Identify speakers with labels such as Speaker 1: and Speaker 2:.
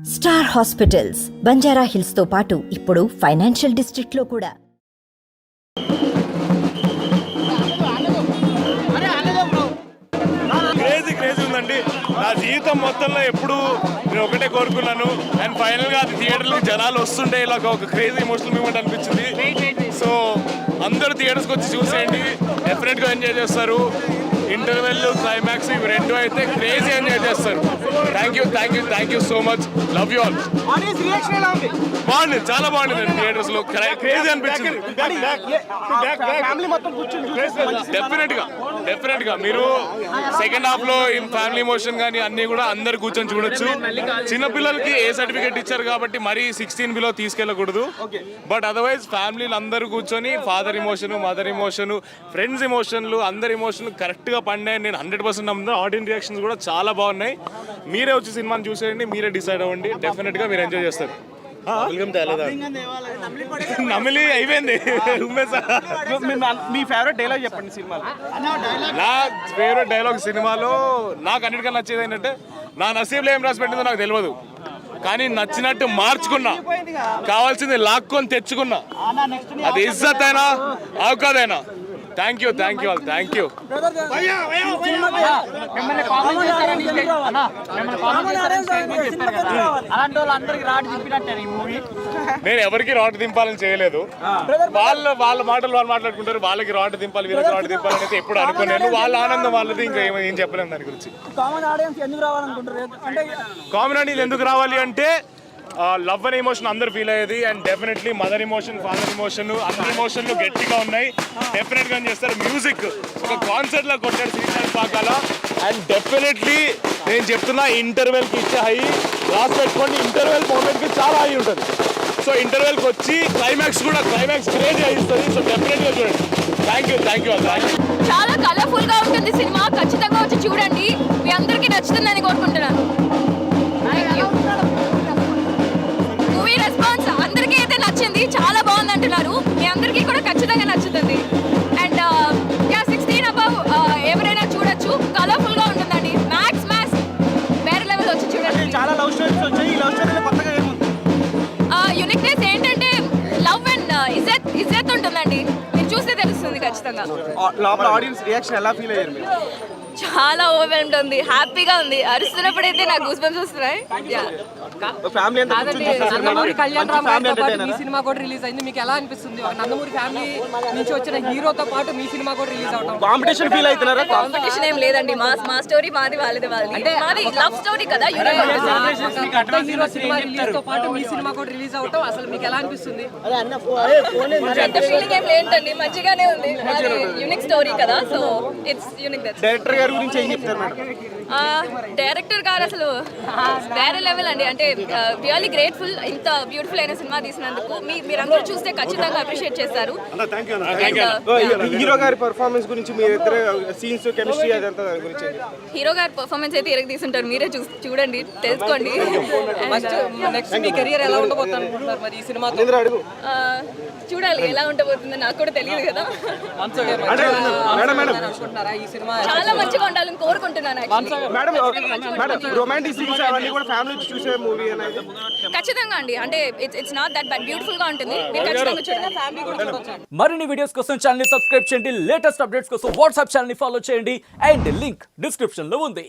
Speaker 1: Star hospitals Banjara hills తో పాటు ఇప్పుడు ఫైనాన్షియల్ డిస్ట్రిక్ట్ లో కూడా.
Speaker 2: క్రేజీ ఉందండి. నా జీవితం మొత్తంలో ఎప్పుడు నేను ఒకటే కోరుకున్నాను. అండ్ ఫైనల్ గా అది థియేటర్లకు జనాలు వస్తుంటే ఇలా ఒక క్రేజీ ఎమోషనల్ మూమెంట్ అనిపించింది. సో అందరూ థియేటర్స్కి వచ్చి చూసేయండి, డెఫినెట్ గా ఎంజాయ్ చేస్తారు. ఇంటర్వెల్ క్లైమాక్స్ ఇవి రెండు అయితే క్రేజీ ఎంజాయ్ చేస్తారు. Thank you so much. Love you all. బాగుంది, చాలా బాగుంది థియేటర్స్ లో. క్రేజీ అనిపించింది. డెఫినెట్ గా మీరు సెకండ్ హాఫ్ లో ఫ్యామిలీ ఎమోషన్ కానీ అన్ని కూడా అందరు కూర్చొని చూడొచ్చు. చిన్నపిల్లలకి ఏ సర్టిఫికేట్ ఇచ్చారు కాబట్టి మరీ 16 బిలో తీసుకెళ్ళకూడదు. బట్ అదర్వైజ్ ఫ్యామిలీలు అందరూ కూర్చొని father emotion, mother emotion, friends ఎమోషన్లు, అందరి ఎమోషన్ కరెక్ట్ గా పండాయి. నేను 100% నమ్ముతాను. ఆడియన్స్ రియాక్షన్స్ కూడా చాలా బాగున్నాయి. మీరే వచ్చి సినిమాని చూసేయండి, మీరే డిసైడ్ అవ్వండి. డెఫినెట్ గా మీరు ఎంజాయ్ చేస్తారు. నమిలి అయిపోయింది.
Speaker 3: మీ ఫేవరెట్ డైలాగ్ చెప్పండి సినిమాలో.
Speaker 2: నా ఫేవరెట్ డైలాగ్ సినిమాలో నాకు అన్నిటికన్నా నచ్చేది ఏంటంటే, నా నసీబ్లో ఏం రాసి పెట్టిందో నాకు తెలియదు, కానీ నచ్చినట్టు మార్చుకున్నా, కావాల్సింది లాక్కొని తెచ్చుకున్నా. అది ఇజ్జత్ అయినా అవకాదైనా. Thank you all. Thank you. నేను ఎవరికి రాడ్ దింపాలని చేయలేదు. వాళ్ళ మాటలు వాళ్ళు మాట్లాడుకుంటారు. వాళ్ళకి రాడ్ దింపాలి, వీళ్ళకి రాడ్ దింపాలని అయితే ఎప్పుడు అనుకోలేదు. వాళ్ళ ఆనందం వాళ్ళది, ఇంకా ఏం చెప్పలేము దాని గురించి. కామన్ ఆడియన్స్ ఎందుకు రావాలి అంటే, లవ్ అనే ఎమోషన్ అందరు ఫీల్ అయ్యేది. And definitely mother emotion, father emotion, అన్ని ఎమోషన్లు గట్టిగా ఉన్నాయి. డెఫినెట్ గా చేస్తారు. మ్యూజిక్ ఒక కాన్సర్ట్ లా కొట్టాడు శ్రీశాంత్ పాకాల. అండ్ డెఫినెట్లీ నేను చెప్తున్నా, ఇంటర్వెల్ కి ఇచ్చే హై రాసి పెట్టుకోండి. ఇంటర్వెల్ మూమెంట్ కి చాలా హై ఉంటుంది. సో ఇంటర్వెల్ కి వచ్చి క్లైమాక్స్ క్రేజీ అయిస్తుంది. సో డెఫినెట్ గా చూడండి. Thank you.
Speaker 4: చాలా కలర్ఫుల్ గా ఉంటుంది సినిమా. ఖచ్చితంగా వచ్చి చూడండి. మీ అందరికీ నచ్చుతుందని కోరుకుంటున్నాను. మూవీ రెస్పాన్స్ అందరికీ అయితే నచ్చింది, చాలా బాగుంది అంటున్నారు. మీ అందరికీ కూడా ఖచ్చితంగా నచ్చుతుంది. అండ్ 16 అబౌవ్ ఎవరైనా చూడొచ్చు. కలర్ఫుల్ గా ఉంటుందండి. మ్యాక్స్ వేరే లెవెల్ వచ్చి చూడండి.
Speaker 3: చాలా లవ్ స్టోరీస్ వచ్చాయి. ఈ లవ్ స్టోరీలో కొత్తగా ఏముంది?
Speaker 4: యూనిక్నెస్ ఏంటంటే లవ్ అండ్ ఇజ్జత్ ఉంటుందండి. మీరు చూస్తే తెలుస్తుంది ఖచ్చితంగా.
Speaker 3: లోపల ఆడియన్స్ రియాక్షన్ ఎలా ఫీల్ అయ్యారు మీరు?
Speaker 4: చాలా ఓవర్వెల్మ్డ్ ఉంది, హ్యాపీగా ఉంది. అరుస్తున్నప్పుడైతే నాకు గూస్ బంప్స్ వస్తున్నాయి.
Speaker 3: ఫ్యామిలీ అంతా
Speaker 5: నందమూరి కళ్యాణ్ రామ్ గారితో పాటు మీ సినిమా కూడా రిలీజ్ అయింది. మీకు ఎలా అనిపిస్తుంది? ఒక నందమూరి ఫ్యామిలీ నుంచి వచ్చిన హీరోతో పాటు మీ సినిమా కూడా రిలీజ్ అవడం.
Speaker 3: కాంపిటీషన్ ఫీల్ అవుతున్నారా?
Speaker 4: కాంపిటీషన్ ఏం లేదండి. మా స్టోరీ మాది, వాళ్ళది. అంటే మాది లవ్ స్టోరీ కదా.
Speaker 5: హీరో సినిమా రిలీజ్ తో పాటు మీ సినిమా కూడా రిలీజ్ అవడం అసలు మీకు ఎలా అనిపిస్తుంది?
Speaker 4: పెద్ద ఫీలింగ్ ఏం లేదండి, మంచిగానే ఉంది. యూనిక్ స్టోరీ కదా, సో ఇట్స్ యూనిక్.
Speaker 3: డైరెక్టర్ గారి గురించి ఏం చెప్తారు మేడం?
Speaker 4: డైరెక్టర్ గారు అసలు వేరే లెవెల్ అండి. అంటే రియల్లీ గ్రేట్ఫుల్. ఇంత బ్యూటిఫుల్ అయిన సినిమా తీసినందుకు. మీరందరూ చూస్తే ఖచ్చితంగా అప్రిషియేట్ చేస్తారు.
Speaker 3: హీరో గారి పర్ఫార్మెన్స్ గురించి, మీ ఇద్దరు సీన్స్, కెమిస్ట్రీ, అదంతా గురించి.
Speaker 4: హీరో గారి పర్ఫార్మెన్స్ అయితే ఇరగ తీసుంటారు. మీరే చూడండి, తెలుసుకోండి.
Speaker 5: నెక్స్ట్ మీ కెరీర్ ఎలా ఉండబోతుంది అనుకుంటున్నారు మరి ఈ సినిమా?
Speaker 4: చూడాలి ఎలా ఉండబోతుందో, నాకు కూడా తెలియదు కదా.
Speaker 5: ఈ సినిమా
Speaker 4: చాలా మంచిగా ఉండాలని కోరుకుంటున్నాను.
Speaker 3: రొమాంటిక్ సీన్స్ అవన్నీ కూడా ఫ్యామిలీ చూసే మూవీ అనేది
Speaker 4: ఖచ్చితంగా అండి. అంటే it's not that but beautiful గా ఉంటుంది. మీరు ఖచ్చితంగా చూడండి.
Speaker 6: మరిన్ని వీడియోస్ కోసం ఛానల్ ని సబ్స్క్రైబ్ చేయండి. లేటెస్ట్ అప్డేట్స్ కోసం వాట్సాప్ ఛానల్ ని ఫాలో చేయండి. అండ్ లింక్ డిస్క్రిప్షన్ లో ఉంది.